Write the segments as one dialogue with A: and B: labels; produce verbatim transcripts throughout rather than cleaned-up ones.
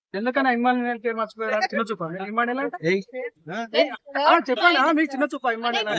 A: ఎందుకన్నా ఇమ్మాన్యుయల్ పేరు మర్చిపోయారు? చిన్న చూప ఇమ్మాన్యుయల్ అంటే చెప్పండి. మీకు చిన్న చూప ఇమ్మాన్యుయల్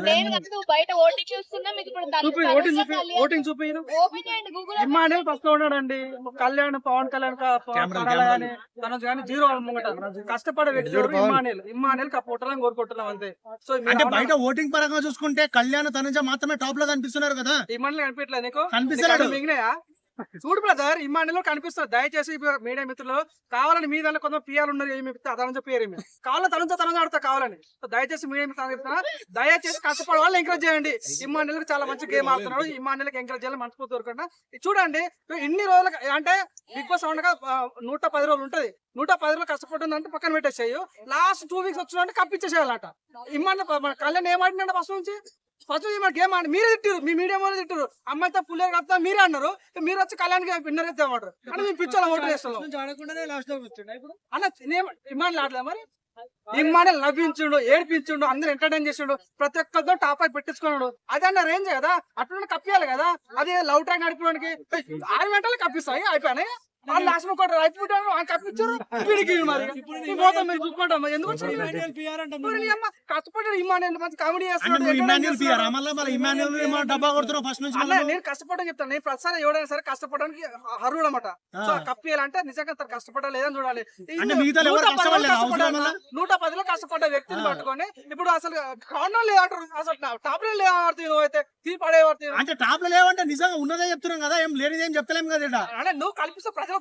A: చూపి ఓటింగ్ చూపి ఓటింగ్ చూపి ఇమ్మాన్యుయల్ ఫస్ట్ లో ఉన్నాడండి. కళ్యాణ్ పవన్ కళ్యాణ్ కానీ తనకు కానీ జీరో ముంగట కష్టపడే వ్యక్తి ఇమ్మాన్యుయల్. ఇమ్మాన్యుయల్ పుట్టాలని కోరుకుంటున్నాం అంతే. సో
B: అంటే బయట ఓటింగ్ పరంగా చూసుకుంటే కళ్యాణ్ తనుజ మాత్రమే టాప్ లో కనిపిస్తున్నారు కదా.
A: ఇమ్మాన్యుయల్ కనిపించలేదు నీకు?
B: కనిపిస్తున్నాడు.
A: మిగిలినాయా? చూడు బ్రదర్, ఇమ్మాన్యుయల్ కనిపిస్తుంది. దయచేసి మీడియా మిత్రులు కావాలని మీ దాంట్లో కొంత పిఆర్ ఉన్నారు. ఏమి తనంజ పేరు ఏమి కావాలని తనంజ తనంజ ఆడుతా కావాలని. దయచేసి మీడియా మిత్రులు చెప్తున్నా, దయచేసి కష్టపడే వాళ్ళు ఎంకరేజ్ చేయండి. ఇమ్మాన్యుయల్ చాలా మంచి గేమ్ ఆడుతున్నాడు. ఇమ్మాన్యుయల్ ఎంకరేజ్ చేయాలి మనస్ఫూర్తి కోరుకుంటా. చూడండి ఇన్ని రోజులు అంటే బిగ్ బాస్ ఉండగా నూట పది రోజులు ఉంటది. నూట పది రోజులు కష్టపడుతుందంటే పక్కన పెట్టేసేయు. లాస్ట్ టూ వీక్స్ వచ్చిందంటే కప్పించేసేయాలట. ఇమ్మాన్యుల్ కళ్యాణ్ ఏమాడినంటే ఫస్ట్ నుంచి ఫస్ట్ గేమ్ ఆడి మీరే తిట్టారు. మీ మీడియా వాళ్ళు తిట్టారు. అమ్మాయితో పుల్లే కప్తా మీరే అన్నారు. మీరు వచ్చి కళ్యాణ్ విన్నర్ అయితే అన్నారు. అంటే మేము పిచ్చోళ్ళ ఓటు వేస్తాం అన్న. ఇమ్మాన్యుల్ ఆడలే మరి. ఇమ్మాన్యుల్ నవ్వించుండు, ఏడిపించుండు, అందరు ఎంటర్టైన్ చేసిండు, ప్రతి ఒక్కరితో టాప్ అయి పెట్టించుకున్నాడు. అదే అన్న రేంజ్ కదా. అట్లా కప్పియాలి కదా. అది లవ్ ట్రాక్ నడిపడానికి ఆరు గంటలు కప్పిస్తాయి అయిపోయినాయి. వాళ్ళు లాస్ట్ కూడా అయిపోయారు కప్పించారు. వీడికి మరి పోతాం మీరు చూసుకుంటాం. ఎందుకు కష్టపడ్డాడు ఇమ్మాన్యుయల్. మంచి కామెడీ చేస్తున్నాడు. నేను కష్టపడడం చెప్తాను. నేను ప్రతిసారి ఎవడైనా సరే కష్టపడడానికి అర్హుడు అనమాట. సో కప్పియాలంటే నిజంగా తను కష్టపడాలి లేదని చూడాలి. నూట పదిలో కష్టపడ్డ వ్యక్తిని పట్టుకొని ఇప్పుడు అసలు కారణం లేదంటారు. అసలు టాప్ లో లేవాడుతుంది. నువ్వు అయితే తీ పడేవాడుతుంది.
B: అంటే టాప్ లో లేవంటే నిజంగా ఉన్నదే చెప్తున్నాం కదా. ఏం లేనిదేం చెప్తలేం కదా.
A: అంటే నువ్వు కల్పిస్తే ప్రజలు